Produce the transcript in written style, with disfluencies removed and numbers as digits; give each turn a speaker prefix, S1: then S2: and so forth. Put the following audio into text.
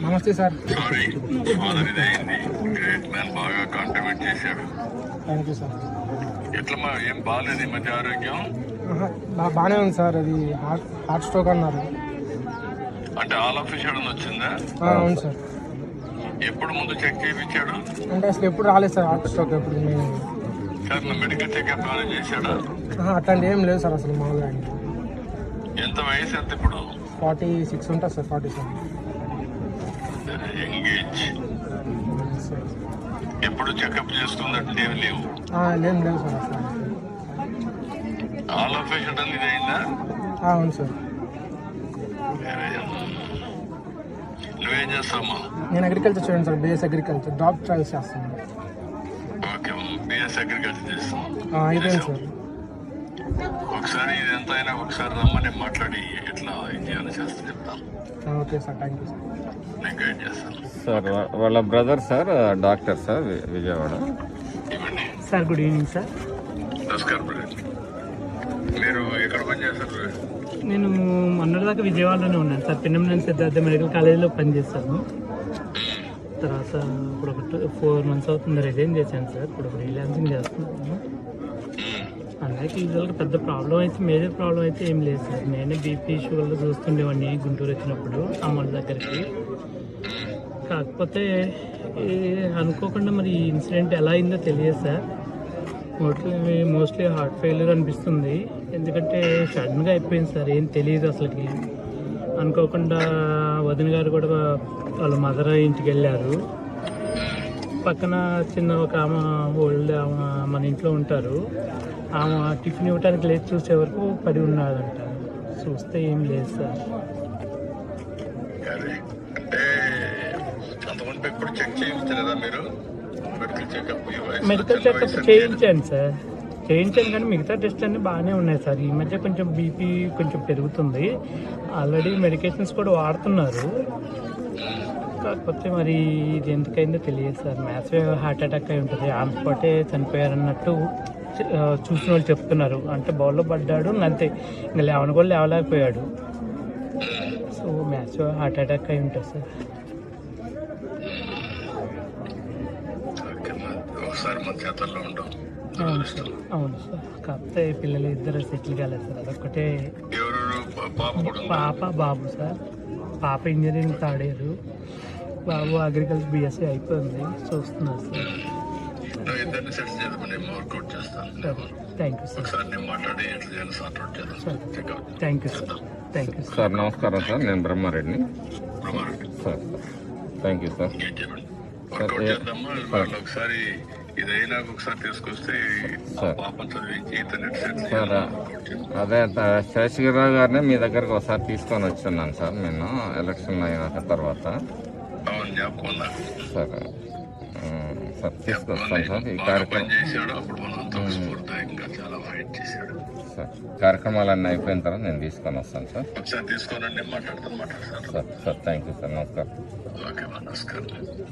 S1: నమస్తే sir.
S2: Sorry father ఇదైంది. Great man, బాగా కాంట్రిబ్యూట్ చేశాడు.
S1: Thank you sir.
S2: ఎట్లా ఏం బాగాలేదు ఈ మధ్య ఆరోగ్యం?
S1: బాగానే ఉంది సార్. అది హార్ట్ స్ట్రోక్ అన్నారు.
S2: అంటే ఆల్ ఆఫ్ సడన్ వచ్చిందా?
S1: అవును సార్.
S2: ఎప్పుడు ముందు చెక్ చేయించాడు?
S1: అంటే అసలు ఎప్పుడు రాలేదు సార్ హార్ట్ స్ట్రోక్. ఎప్పుడు నేను
S2: సార్ మెడికల్ చెకప్ ఏమైనా చేశాడా?
S1: అట్లాంటి ఏం లేదు సార్ అసలు. మామూలుగా
S2: ఎంత వయసు ఎంత ఇప్పుడు?
S1: 46 ఉంటుంది సార్. 47.
S2: ఎంగేజ్. ఎప్పుడు చెకప్ చేస్తున్నట్టు ఏమి లేవు?
S1: లేవు సార్ అసలు.
S2: ఆల్ ఆఫ్ సడన్ ఇది అయిందా?
S1: అవును సార్.
S2: నువ్వేం చేస్తావమ్మా?
S1: నేను అగ్రికల్చర్ చూడండి sir. BS agriculture job trials చేస్తాను.
S2: ఓకే, బిఎస్ అగ్రికల్చర్ చేస్తాం.
S1: అయిపోయింది సార్.
S2: ఒకసారి ఇది ఎంత అయినా ఒకసారి రమ్మని మాట్లాడి ఎట్లా ఇది చేయాలో చేస్తా చెప్తాను.
S1: Okay sir, thank you sir.
S2: నేను గైడ్ చేస్తాను
S3: సార్. వాళ్ళ brother sir doctor sir, Vijayawada.
S2: ఇవ్వండి
S1: సార్. Good evening sir.
S2: నమస్కారం బ్రదర్. మీరు ఎక్కడ పనిచేస్తారు?
S4: నేను మొన్నటిదాకా విజయవాడలోనే ఉన్నాను సార్. పిన్నమనేని సిద్ధార్థ మెడికల్ కాలేజీలో పనిచేస్తాను. తర్వాత ఇప్పుడు ఒక 4 months అవుతుంది రిజైన్ చేశాను సార్. ఇప్పుడు ఫ్రీలాన్సింగ్ చేస్తున్నాను. అందరికీ యూజువల్గా పెద్ద ప్రాబ్లం అయితే, మేజర్ ప్రాబ్లం అయితే ఏం లేదు సార్. నేనే బీపీ షుగర్లో చూస్తుండేవాడిని గుంటూరు వచ్చినప్పుడు అమ్మ దగ్గరికి. కాకపోతే అనుకోకుండా మరి ఈ ఇన్సిడెంట్ ఎలా అయిందో తెలియదు సార్. మోస్ట్లీ హార్ట్ ఫెయిల్యూర్ అనిపిస్తుంది. ఎందుకంటే సడన్గా అయిపోయింది సార్. ఏం తెలియదు అసలుకి. అనుకోకుండా వదిన గారు కూడా వాళ్ళ మదర్ ఇంటికి వెళ్ళారు. పక్కన చిన్న ఒక ఆమె ఓల్డ్ ఆమె మన ఇంట్లో ఉంటారు. ఆమె టిఫిన్ ఇవ్వడానికి లేచి చూసే వరకు పడి ఉన్నాడంట. చూస్తే ఏం లేదు సార్. మెడికల్ చెకప్ చేయించాను సార్. చేయించాను కానీ మిగతా టెస్ట్ అన్నీ బాగానే ఉన్నాయి సార్. ఈ మధ్య కొంచెం బీపీ కొంచెం పెరుగుతుంది. ఆల్రెడీ మెడికేషన్స్ కూడా వాడుతున్నారు. కాకపోతే మరి ఇది ఎందుకైందో తెలియదు సార్. మ్యాసివ్ హార్ట్ అటాక్ అయి ఉంటుంది. ఆన్ స్పాటే చనిపోయారన్నట్టు చూసిన వాళ్ళు చెప్తున్నారు. అంటే బౌల్లో పడ్డాడు అంతే, ఇంకా లేవని కూడా లేవలేకపోయాడు. సో మ్యాసివ్ హార్ట్ అటాక్ అయి ఉంటుంది సార్. అవును సార్. కాకపోతే పిల్లలు ఇద్దరు సెటిల్ కాలేదు సార్. అదొక్కటే. పాప బాబు సార్. పాప ఇంజనీరింగ్ థర్డ్ ఇయర్, బాబు అగ్రికల్చర్ బిఎస్సీ అయిపోయింది. చూస్తున్నారు sir. Thank you sir. Thank you sir. Thank you
S3: sir. నమస్కారం సార్. నేను బ్రహ్మారెడ్డిని సార్. Thank you sir.
S2: ఒకసారి ఇదైనా ఒకసారి తీసుకొస్తే
S3: సార్ అదే శేషగిరిరావు గారిని మీ దగ్గరకు ఒకసారి తీసుకొని వచ్చున్నాను సార్. నేను ఎలక్షన్ అయిన తర్వాత సార్. సార్ తీసుకొస్తాను సార్. ఈ కార్యక్రమం సార్ కార్యక్రమాలన్నీ అయిపోయిన తర్వాత నేను తీసుకొని వస్తాను సార్.
S2: తీసుకోనండి, మాట్లాడతాను
S3: sir. Sir thank you sir. నమస్కారం.
S2: నమస్కారం.